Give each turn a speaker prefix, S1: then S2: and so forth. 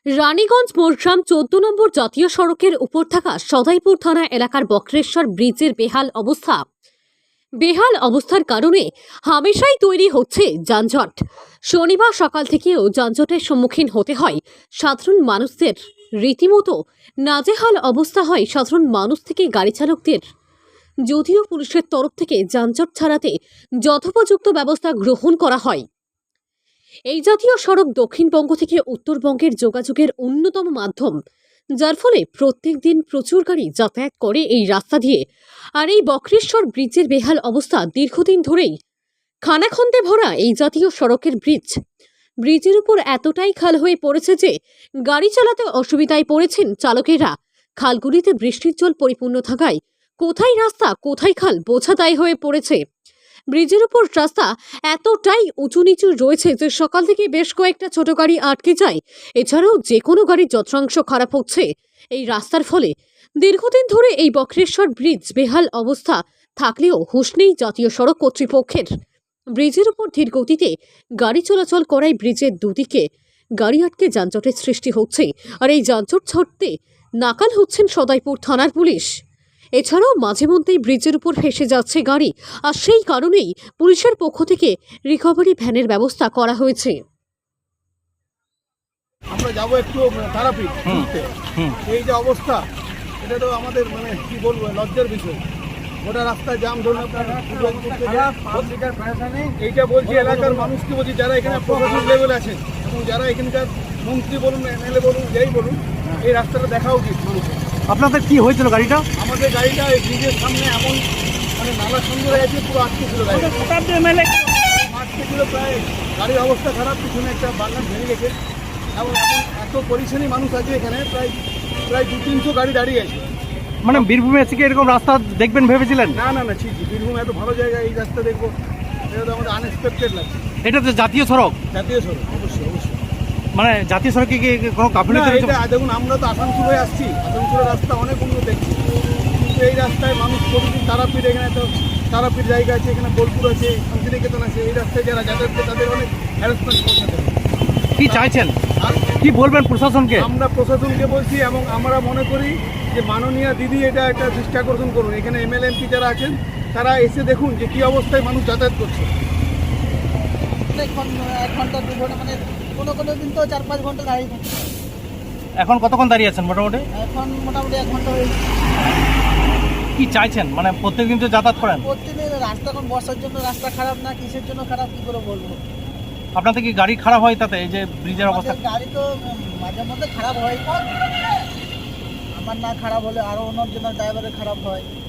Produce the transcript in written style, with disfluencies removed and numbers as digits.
S1: রানীগঞ্জ মোরগ্রাম ১৪ নম্বর জাতীয় সড়কের উপর থাকা সদাইপুর থানা এলাকার বক্রেশ্বর ব্রিজের বেহাল অবস্থার কারণে হামেশাই তৈরি হচ্ছে যানজট। শনিবার সকাল থেকেও যানজটের সম্মুখীন হতে হয় সাধারণ মানুষদের। রীতিমতো নাজেহাল অবস্থা হয় সাধারণ মানুষ থেকে গাড়ি চালকদের। যদিও পুলিশের তরফ থেকে যানজট ছাড়াতে যথোপযুক্ত ব্যবস্থা গ্রহণ করা হয়। এই জাতীয় সড়ক দক্ষিণবঙ্গ থেকে উত্তরবঙ্গের যোগাযোগের অন্যতম মাধ্যম, যার ফলে প্রত্যেক দিন প্রচুর গাড়ি যাতায়াত করে এই রাস্তা দিয়ে। আর এই বক্রেশ্বর ব্রিজের বেহাল অবস্থা দীর্ঘদিন ধরেই। খানাখন্দে ভরা এই জাতীয় সড়কের ব্রিজের উপর এতটাই খাল হয়ে পড়েছে যে গাড়ি চালাতে অসুবিধায় পড়েছেন চালকেরা। খালগুলিতে বৃষ্টির জল পরিপূর্ণ থাকায় কোথায় রাস্তা কোথায় খাল বোঝা দায় হয়ে পড়েছে। ব্রিজের উপর রাস্তা এতটাই উঁচু নিচু রয়েছে যে সকাল থেকে বেশ কয়েকটা ছোট গাড়ি আটকে যায়। এছাড়াও যে কোনো গাড়ির যন্ত্রাংশ খারাপ হচ্ছে এই রাস্তার ফলে। দীর্ঘদিন ধরে এই বক্রেশ্বর ব্রিজ বেহাল অবস্থা থাকলেও হুঁশ নেই জাতীয় সড়ক কর্তৃপক্ষের। ব্রিজের উপর ধীর গতিতে গাড়ি চলাচল করায় ব্রিজের দুদিকে গাড়ি আটকে যানজটের সৃষ্টি হচ্ছে। আর এই যানজট ছাড়তে নাকাল হচ্ছেন সদাইপুর থানার পুলিশ। এছাড়াও মাঝে মধ্যেই ব্রিজের উপর ফেসে যাচ্ছে গাড়ি, আর সেই কারণেই পুলিশের পক্ষ থেকে রিকভারি ভ্যানের ব্যবস্থা করা হয়েছে।
S2: আমরা যাবো একটু তারাপীঠ ঘুরতে। এই যে অবস্থা, এটা তো আমাদের কি বলবো, লজ্জার বিষয়। গোটা রাস্তায় জাম ধরুন, এইটা বলছি এলাকার মানুষকে বলছি, যারা এখানে প্রশাসন লেভেল আছেন এবং যারা এখানকার মন্ত্রী বলুন, এমএলএ বলুন, যেই বলুন, এই রাস্তাটা দেখা উচিত মানুষের।
S3: আপনাদের কি হয়েছিল গাড়িটা?
S2: আমাদের গাড়িটা এই ব্রিজের সামনে এমন নালা সুন্দর আছে, পুরো আটকে ছিল গাড়ি, আটকে ছিল প্রায়। গাড়ির অবস্থা খারাপ, পিছনে একটা বাগান ভেঙে গেছে এবং এত পরিচ্ছন্ন মানুষ আছে এখানে, প্রায় 200-300 গাড়ি দাঁড়িয়ে আছে।
S3: মানে বীরভূমে এসে কি এরকম রাস্তা দেখবেন ভেবেছিলেন?
S2: না ঠিক বীরভূম এত ভালো জায়গা, এই রাস্তা দেখবো এটা তো আমাদের আনএক্সপেক্টেড লাগছে।
S3: এটা তো জাতীয় সড়ক।
S2: জাতীয় সড়ক, অবশ্যই।
S3: মানে জাতীয় সড়কে কি কোনো গাফিলতি হয়েছে?
S2: দেখুন, আমরা তো আসানসোল হয়ে আসছি, আসানসোলের রাস্তা অনেক উন্নত দেখছি, কিন্তু এই রাস্তায় মানুষ প্রতিদিন তারাপীঠ, এখানে তো তারাপীঠ জায়গা আছে, এখানে বোলপুর আছে, শান্তিনিকেতন আছে, এই রাস্তায় যারা যাতায়াত করে তাদের অনেক হ্যারাসমেন্ট করতে হবে।
S3: কি চাইছেন, কি বলবেন প্রশাসনকে?
S2: আমরা প্রশাসনকে বলছি এবং আমরা মনে করি যে মাননীয় দিদি এটা একটা দৃষ্টি আকর্ষণ করুন। এখানে এমএলএ এমপি যারা আছেন তারা এসে দেখুন যে কী অবস্থায় মানুষ যাতায়াত করছে।
S4: এখন 1 ঘন্টা 2 ঘন্টা, মানে কোনো দিন তো 4-5 ঘন্টা দাঁড়িয়ে থাকে।
S3: এখন কতক্ষণ দাঁড়িয়ে আছেন মোটামুটি?
S4: এখন মোটামুটি 1 ঘন্টা হয়ে গেছে।
S3: কি চাইছেন, মানে প্রত্যেকদিন তো যাতায়াত করেন?
S4: প্রতিদিন রাস্তা, এখন বর্ষার জন্য রাস্তা খারাপ না কিসের জন্য খারাপ কি করে বলবো।
S3: আপনাদের কি গাড়ি খারাপ হয় তাতে, এই যে ব্রিজের অবস্থা?
S4: গাড়ি তো মাঝে মধ্যে খারাপ হয়, আমার না খারাপ হলে আরও অন্যজনের ড্রাইভারের খারাপ হয়।